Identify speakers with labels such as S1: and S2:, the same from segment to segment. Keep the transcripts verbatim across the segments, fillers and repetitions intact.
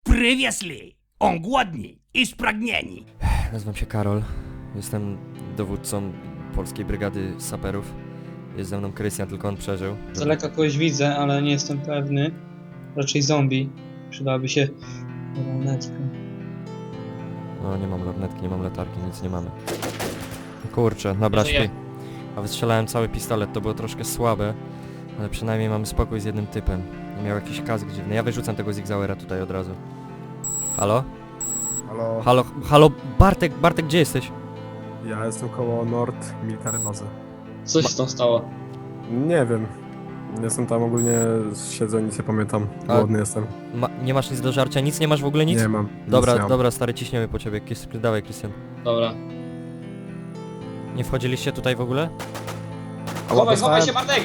S1: Привезли. Он głodny i spragnieni.
S2: Nazywam się Karol. Jestem dowódcą polskiej brygady saperów. Jest ze mną Krystian, tylko on przeżył.
S3: Z daleka kogoś widzę, ale nie jestem pewny. Raczej zombie. Przydałaby się lornetka.
S2: No nie mam lornetki, nie mam latarki, nic nie mamy. Kurczę, dobra,
S3: Żyję.
S2: śpi. A wystrzelałem cały pistolet, to było troszkę słabe. Ale przynajmniej mamy spokój z jednym typem. Miał jakiś kask dziwny. Ja wyrzucam tego Zigzauera tutaj od razu. Halo?
S4: Halo,
S2: Halo, halo, Bartek, Bartek, gdzie jesteś?
S4: ja jestem koło Nord Military Bazy.
S3: Co się tam stało?
S4: Nie wiem. Jestem tam ogólnie, siedzę, nic nie pamiętam.
S2: A-
S4: Głodny jestem.
S2: Ma, nie masz nic do żarcia? Nic nie masz w ogóle, nic?
S4: Nie mam. nic
S2: Dobra,
S4: nie mam.
S2: dobra, stary, ciśniemy po ciebie. Kis, dawaj, Krystian.
S3: Dobra.
S2: Nie wchodziliście tutaj w ogóle?
S4: A
S3: Chowaj,
S4: dostałem-
S3: chowaj się, Bartek!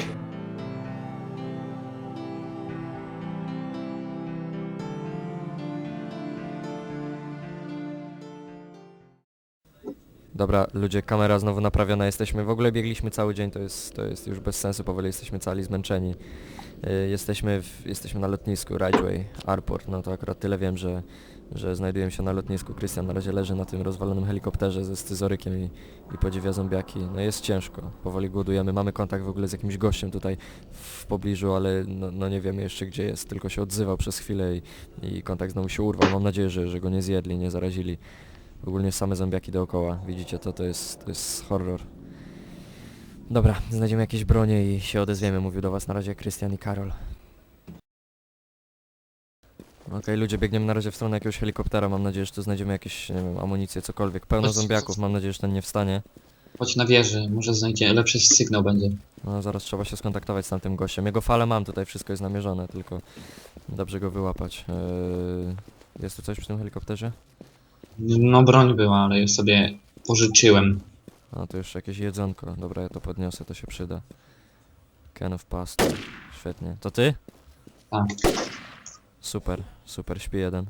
S2: Dobra, ludzie, kamera znowu naprawiona, jesteśmy, w ogóle biegliśmy cały dzień, to jest, to jest już bez sensu, powoli jesteśmy cali zmęczeni. Yy, jesteśmy, w, jesteśmy na lotnisku, Ridgeway, Airport, no to akurat tyle wiem, że, że znajdujemy się na lotnisku. Krystian na razie leży na tym rozwalonym helikopterze ze scyzorykiem i, i podziwia zombiaki. No jest ciężko, powoli głodujemy, mamy kontakt w ogóle z jakimś gościem tutaj w pobliżu, ale no, no nie wiemy jeszcze gdzie jest, tylko się odzywał przez chwilę i, i kontakt znowu się urwał. Mam nadzieję, że, że go nie zjedli, nie zarazili. Ogólnie same zombiaki dookoła, widzicie to, to jest, to jest horror. Dobra, znajdziemy jakieś bronie i się odezwiemy, mówił do was na razie Krystian i Karol. Okej, ludzie, biegniemy na razie w stronę jakiegoś helikoptera, mam nadzieję, że tu znajdziemy jakieś, nie wiem, amunicję, cokolwiek. Pełno
S5: Chodź,
S2: zombiaków, mam nadzieję, że ten nie wstanie.
S5: Chodź na wieży, może znajdzie lepszy sygnał będzie.
S2: No zaraz trzeba się skontaktować z tamtym gościem. Jego falę mam, tutaj wszystko jest namierzone, tylko dobrze go wyłapać. Eee, jest tu coś przy tym helikopterze?
S5: No broń była, ale ją sobie pożyczyłem.
S2: A, to już jakieś jedzonko. Dobra, ja to podniosę, to się przyda. Can of past. Świetnie. To ty?
S5: Tak.
S2: Super, super, śpi jeden.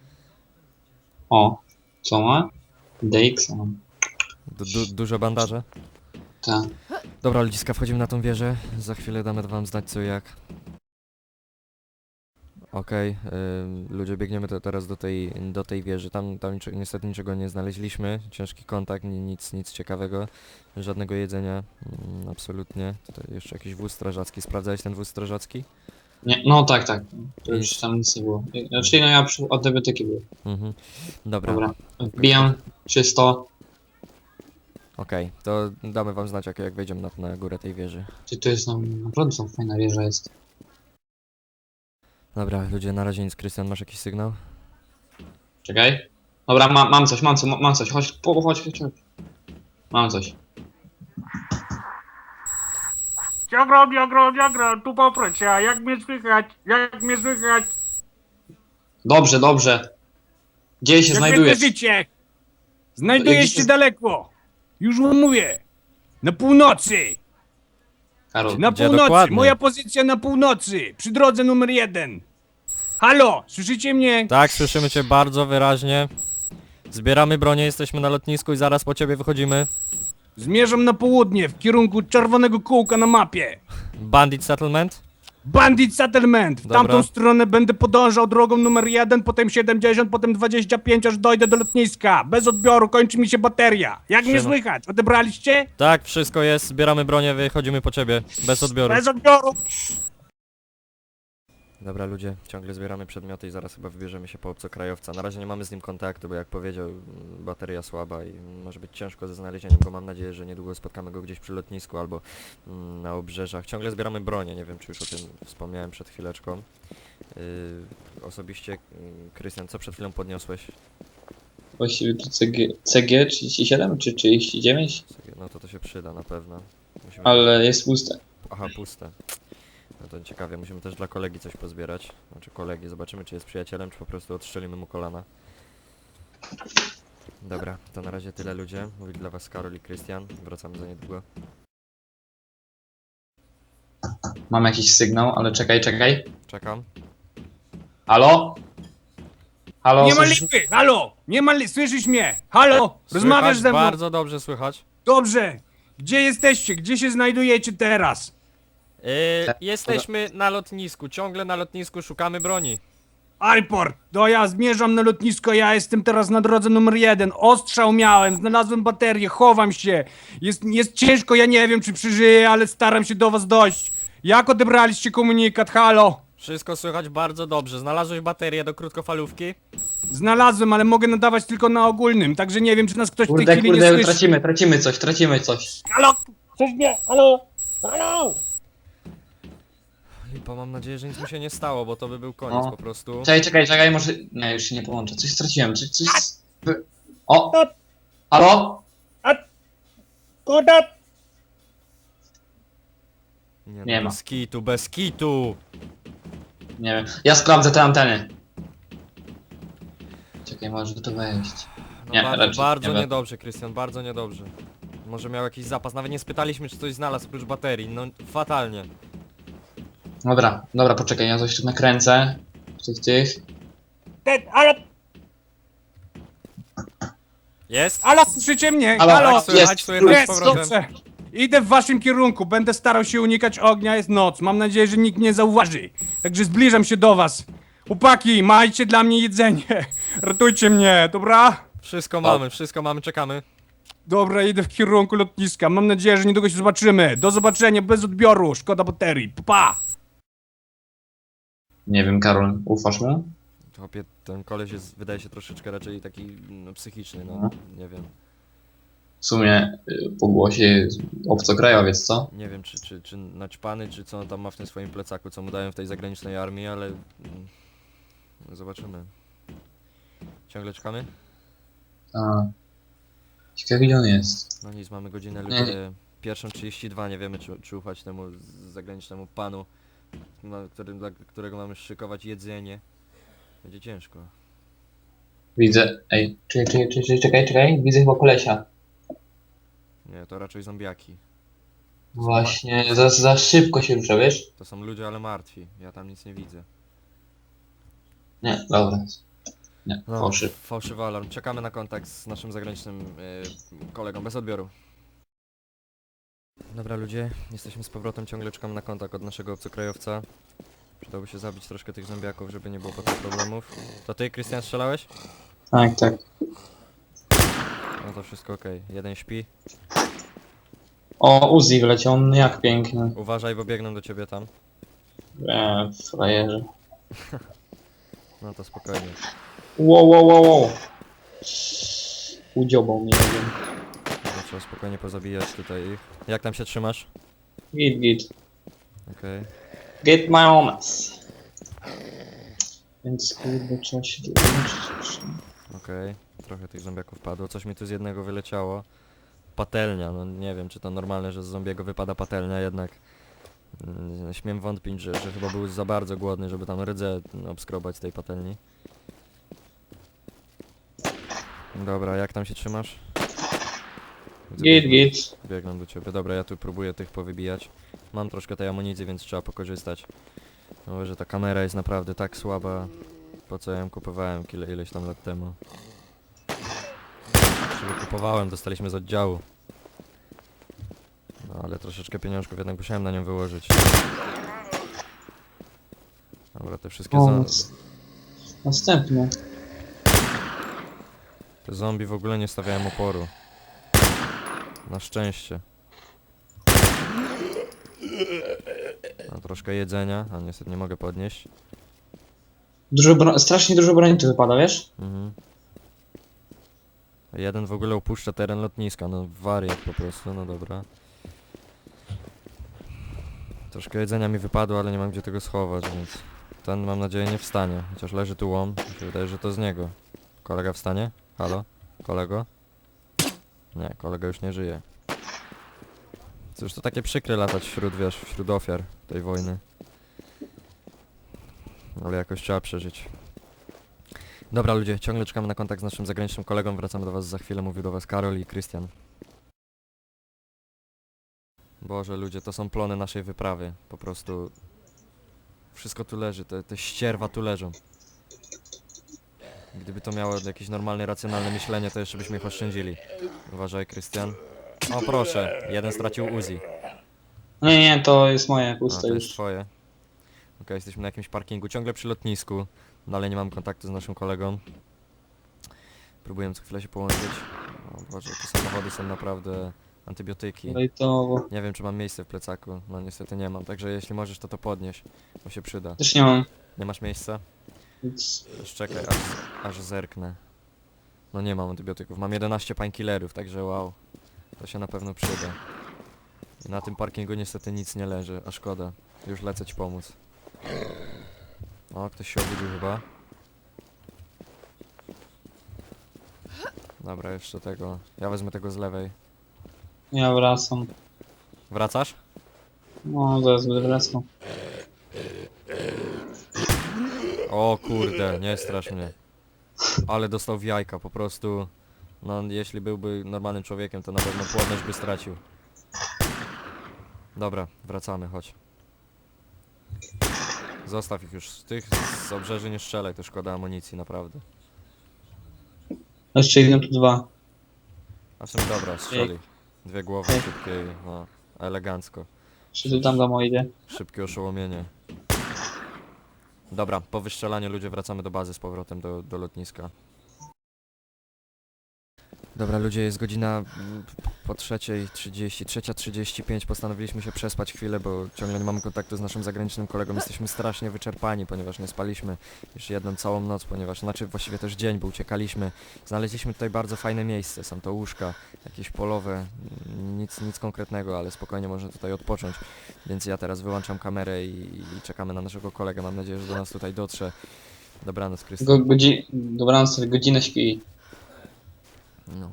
S5: O, co ma? D X mam.
S2: Du du dużo bandaże?
S5: Tak.
S2: Dobra, ludziska, wchodzimy na tą wieżę. Za chwilę damy wam znać co i jak. Okej, okay, ludzie, biegniemy te, teraz do tej, do tej wieży. Tam, tam niczy, niestety niczego nie znaleźliśmy. Ciężki kontakt, ni, nic, nic ciekawego. Żadnego jedzenia. Mm, absolutnie. Tutaj jeszcze jakiś wóz strażacki. Sprawdzałeś ten wóz strażacki?
S5: Nie, no tak, tak. To już
S2: Nic.
S5: tam nic nie było. Znaczy no ja przy, od debiotyki były.
S2: Mhm. Dobra.
S5: Dobra. Wbijam czysto.
S2: Okej, to damy wam znać jak, jak wejdziemy na, na górę tej wieży.
S5: Ty to jest no, naprawdę są fajna wieża jest.
S2: Dobra, ludzie, na razie nic. Krystian, masz jakiś sygnał?
S5: Czekaj. Dobra, ma, mam coś, mam coś, mam coś. Chodź, po, chodź, chodź, chodź. Mam coś.
S1: Diagrom, diagrom, diagrom, tu poprocia. Jak mnie słychać? Jak mnie słychać?
S5: Dobrze, dobrze. Gdzie się
S1: Jak
S5: znajdujesz?
S1: życie? Znajdujesz
S5: Gdzie
S1: się
S5: się-
S1: daleko. Już wam mówię. Na północy.
S5: Karol.
S1: Na
S2: Gdzie
S1: północy.
S2: dokładnie?
S1: Moja pozycja na północy. Przy drodze numer jeden. Halo, słyszycie mnie?
S2: Tak, słyszymy cię bardzo wyraźnie. Zbieramy bronię, jesteśmy na lotnisku i zaraz po ciebie wychodzimy.
S1: Zmierzam na południe, w kierunku czerwonego kółka na mapie.
S2: Bandit Settlement?
S1: Bandit Settlement. W
S2: Dobra.
S1: tamtą stronę będę podążał drogą numer jeden, potem siedemdziesiąt, potem dwadzieścia pięć, aż dojdę do lotniska. Bez odbioru, kończy mi się bateria. Jak mnie
S2: Siema.
S1: słychać? Odebraliście?
S2: Tak, wszystko jest, zbieramy bronię, wychodzimy po ciebie. Bez odbioru.
S1: Bez odbioru.
S2: Dobra, ludzie, ciągle zbieramy przedmioty i zaraz chyba wybierzemy się po obcokrajowca. Na razie nie mamy z nim kontaktu, bo jak powiedział, mm, bateria słaba i może być ciężko ze znalezieniem go. Mam nadzieję, że niedługo spotkamy go gdzieś przy lotnisku albo mm, na obrzeżach. Ciągle zbieramy bronię, nie wiem czy już o tym wspomniałem przed chwileczką. Yy, osobiście, mm, Krystian, co przed chwilą podniosłeś?
S5: Właściwie to C G, C G trzydzieści siedem czy trzydzieści dziewięć?
S2: No to to się przyda na pewno. Musimy...
S5: Ale jest puste.
S2: Aha, puste. No to ciekawie, musimy też dla kolegi coś pozbierać. Znaczy kolegi, zobaczymy czy jest przyjacielem, czy po prostu odstrzelimy mu kolana. Dobra, to na razie tyle ludzie. Mówi dla was Karol i Krystian. Wracamy za niedługo.
S5: Mam jakiś sygnał, ale czekaj, czekaj.
S2: Czekam.
S5: Halo? Halo?
S1: Nie ma
S5: słyszysz-
S1: lipy. Halo, nie ma lipy. Słyszysz mnie? Halo, rozmawiasz
S2: Słychać?
S1: ze mną?
S2: Bardzo dobrze słychać.
S1: Dobrze. Gdzie jesteście? Gdzie się znajdujecie teraz?
S2: Yy, jesteśmy na lotnisku, ciągle na lotnisku szukamy broni.
S1: Airport, no ja zmierzam na lotnisko, ja jestem teraz na drodze numer jeden. Ostrzał miałem, znalazłem baterię, chowam się. Jest, jest ciężko, ja nie wiem czy przeżyję, ale staram się do was dojść. Jak odebraliście komunikat, halo?
S2: Wszystko słychać bardzo dobrze. Znalazłeś baterię do krótkofalówki?
S1: Znalazłem, ale mogę nadawać tylko na ogólnym, także nie wiem czy nas ktoś w tej
S5: Kurde,
S1: chwili nie
S5: kurde,
S1: słyszy.
S5: tracimy, tracimy coś, tracimy coś.
S1: Halo? Coś mnie, halo? Halo?
S2: Lipa, mam nadzieję, że nic mi się nie stało, bo to by był koniec
S5: No.
S2: po prostu.
S5: Czekaj, czekaj, czekaj, może... Nie, już się nie połączę. Coś straciłem, coś... coś... O! Halo?
S1: Kurde!
S2: Nie,
S5: Nie
S2: no,
S5: ma.
S2: bez kitu, bez kitu!
S5: Nie wiem. Ja sprawdzę te anteny. Czekaj, może to wejść.
S2: No
S5: Nie,
S2: bardzo,
S5: raczej
S2: bardzo
S5: nie
S2: niedobrze, Krystian, bardzo niedobrze. Może miał jakiś zapas, nawet nie spytaliśmy, czy coś znalazł oprócz baterii, no fatalnie.
S5: Dobra, dobra, poczekaj, ja coś tu nakręcę. Tych, tych.
S1: Ale,
S2: Jest?
S1: ale słyszycie mnie?
S5: Halo,
S1: Halo?
S5: tak,
S2: Słychać,
S5: jest,
S2: słychać z
S1: Jest,
S2: powrotem.
S1: dobrze. Idę w waszym kierunku, będę starał się unikać ognia, jest noc. Mam nadzieję, że nikt nie zauważy. Także zbliżam się do was. Chłopaki, majcie dla mnie jedzenie. Ratujcie mnie, dobra?
S2: Wszystko mamy, wszystko mamy, czekamy.
S1: Dobra, idę w kierunku lotniska. Mam nadzieję, że niedługo się zobaczymy. Do zobaczenia, bez odbioru. Szkoda baterii. Pa, pa.
S5: Nie wiem, Karol, ufasz mu?
S2: Chłopie, ten koleś jest, wydaje się troszeczkę raczej taki no, psychiczny, no,
S5: Mhm.
S2: nie wiem.
S5: W sumie y, po głosie jest obcokrajowiec, co?
S2: Nie wiem, czy, czy, czy naćpany, czy co on tam ma w tym swoim plecaku, co mu dają w tej zagranicznej armii, ale... mm, zobaczymy. Ciągle czekamy?
S5: A. Ciekawe, gdzie on jest.
S2: No nic, mamy godzinę
S5: Nie.
S2: ludzie. Pierwszą trzydzieści dwa, nie wiemy czy, czy ufać temu z- zagranicznemu panu, na którym, dla którego mamy szykować jedzenie. Będzie ciężko.
S5: Widzę. Ej, czekaj, czekaj, czekaj, czekaj, czekaj. Widzę chyba kolesia.
S2: Nie, to raczej zombiaki.
S5: Właśnie, za, za szybko się rusza, wiesz?
S2: To są ludzie, ale martwi. Ja tam nic nie widzę.
S5: Nie, dobra. Nie,
S2: No,
S5: fałszyw.
S2: Fałszywy alarm. Czekamy na kontakt z naszym zagranicznym y, kolegą, bez odbioru. Dobra ludzie, jesteśmy z powrotem, ciągle czekamy na kontakt od naszego obcokrajowca. Przydałoby się zabić troszkę tych zombiaków, żeby nie było potem problemów. To ty, Krystian, strzelałeś?
S5: Tak, tak.
S2: No to wszystko okej. Jeden śpi.
S5: O, Uzi wleciał, on jak piękny.
S2: Uważaj, bo biegną do ciebie tam.
S5: Eee, frajerze.
S2: No to spokojnie.
S5: Wow, wow, wow, wow. Udziobał mnie, nie wiem.
S2: Dobra, trzeba spokojnie pozabijać tutaj ich. Jak tam się trzymasz?
S5: Git, git.
S2: Okej.
S5: Get my homes. Więc kurde, trzeba się dołączyć.
S2: Okej. Trochę tych zombiaków padło. Coś mi tu z jednego wyleciało. Patelnia, no nie wiem czy to normalne, że z zombiego wypada patelnia, jednak mm, śmiem wątpić, że, że chyba był za bardzo głodny, żeby tam rdzę obskrobać z tej patelni. Dobra, jak tam się trzymasz? Widzę,
S5: Git,
S2: biegną-
S5: git.
S2: Biegną do ciebie. Dobra, ja tu próbuję tych powybijać. Mam troszkę tej amunicji, więc trzeba pokorzystać. No, że ta kamera jest naprawdę tak słaba, po co ja ją kupowałem kile, ileś tam lat temu. Czyli kupowałem, dostaliśmy z oddziału. No ale troszeczkę pieniążków jednak musiałem na nią wyłożyć. Dobra, te wszystkie
S5: O,
S2: zo
S5: nas- Następny.
S2: te zombie w ogóle nie stawiają oporu. Na szczęście. No, troszkę jedzenia, a niestety nie mogę podnieść.
S5: Dużo bro... Strasznie dużo broni tu wypada, wiesz?
S2: Mhm. Jeden w ogóle opuszcza teren lotniska, no wariat po prostu, no dobra. Troszkę jedzenia mi wypadło, ale nie mam gdzie tego schować, więc ten mam nadzieję nie wstanie. Chociaż leży tu łom, mi się wydaje, że to z niego. Kolega wstanie? Halo? Kolego? Nie, kolega już nie żyje. Cóż, to takie przykre latać wśród, wiesz, wśród ofiar tej wojny. Ale jakoś trzeba przeżyć. Dobra ludzie, ciągle czekamy na kontakt z naszym zagranicznym kolegą, wracamy do was za chwilę, mówił do was Karol i Krystian. Boże ludzie, to są plony naszej wyprawy, po prostu... Wszystko tu leży, te, te ścierwa tu leżą. Gdyby to miało jakieś normalne, racjonalne myślenie, to jeszcze byśmy ich oszczędzili. Uważaj Krystian. O proszę, jeden stracił Uzi.
S5: Nie, nie, to jest moje
S2: A,
S5: puste
S2: to jest
S5: już.
S2: twoje. Okej, jesteśmy na jakimś parkingu, ciągle przy lotnisku. Dalej nie mam kontaktu z naszym kolegą. Próbuję co chwilę się połączyć. O Boże, te samochody są naprawdę antybiotyki.
S3: Lejtowo.
S2: Nie wiem, czy mam miejsce w plecaku. No niestety nie mam, także jeśli możesz, to to podnieś, bo się przyda.
S3: Też nie mam.
S2: Nie masz miejsca?
S3: Więc
S2: Już czekaj, aż, aż zerknę. No nie mam antybiotyków. Mam jedenaście painkillerów, także wow. To się na pewno przyda. I na tym parkingu niestety nic nie leży, a szkoda. Już lecę ci pomóc. O, ktoś się obudził chyba. Dobra, jeszcze tego. Ja wezmę tego z lewej.
S3: ja wracam.
S2: Wracasz?
S3: No, zaraz będę wracał.
S2: O kurde, nie strasz mnie. Ale dostał w jajka, po prostu. No, jeśli byłby normalnym człowiekiem, to na pewno płodność by stracił. Dobra, wracamy, chodź. Zostaw ich już. Z tych z obrzeży nie strzelaj, to szkoda amunicji, naprawdę.
S3: Jeszcze idą tu dwa.
S2: A w sumie dobra, strzeli. Dwie głowy szybkie, no, elegancko.
S3: Jeszcze tu tam do idę.
S2: Szybkie oszołomienie. Dobra, po wystrzelaniu ludzie wracamy do bazy z powrotem do, do lotniska. Dobra ludzie, jest godzina mm, po trzeciej trzydzieści, trzecia trzydzieści pięć, postanowiliśmy się przespać chwilę, bo ciągle nie mamy kontaktu z naszym zagranicznym kolegą, jesteśmy strasznie wyczerpani, ponieważ nie spaliśmy już jedną całą noc, ponieważ, znaczy właściwie też dzień, bo uciekaliśmy. Znaleźliśmy tutaj bardzo fajne miejsce, są to łóżka, jakieś polowe, mm, nic, nic konkretnego, ale spokojnie można tutaj odpocząć, więc ja teraz wyłączam kamerę i, i czekamy na naszego kolegę, mam nadzieję, że do nas tutaj dotrze. Dobranoc, Krystian.
S3: Go, godzi... Dobranoc, sobie godzinę śpi.
S2: No.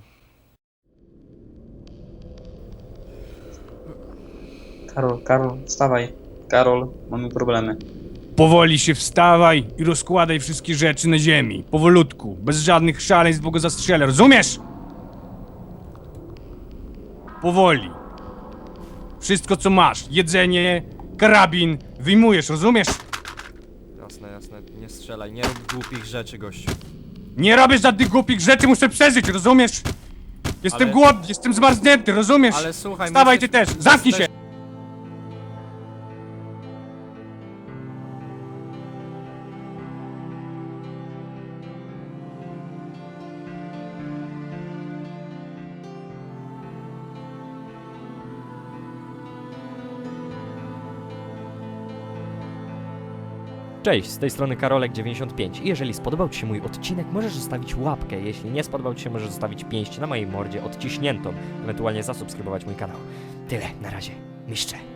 S3: Karol, Karol, wstawaj. Karol, mamy problemy.
S1: Powoli się wstawaj i rozkładaj wszystkie rzeczy na ziemi. Powolutku, bez żadnych szaleństw, bo go zastrzelę, rozumiesz? Powoli. Wszystko co masz, jedzenie, karabin, wyjmujesz, rozumiesz?
S2: Jasne, jasne, nie strzelaj, nie rób głupich rzeczy, gościu.
S1: Nie robię żadnych głupich rzeczy, muszę przeżyć, rozumiesz? Jestem
S2: Ale-
S1: głodny, jestem zmarznięty, rozumiesz?
S2: Ale słuchaj,
S1: Wstawaj
S2: my
S1: ty
S2: jesteśmy-
S1: też, zamknij się!
S2: jesteś-
S6: Cześć, z tej strony Karolek dziewięćdziesiąt pięć i jeżeli spodobał Ci się mój odcinek, możesz zostawić łapkę, jeśli nie spodobał Ci się, możesz zostawić pięść na mojej mordzie odciśniętą, ewentualnie zasubskrybować mój kanał. Tyle, na razie, mistrze.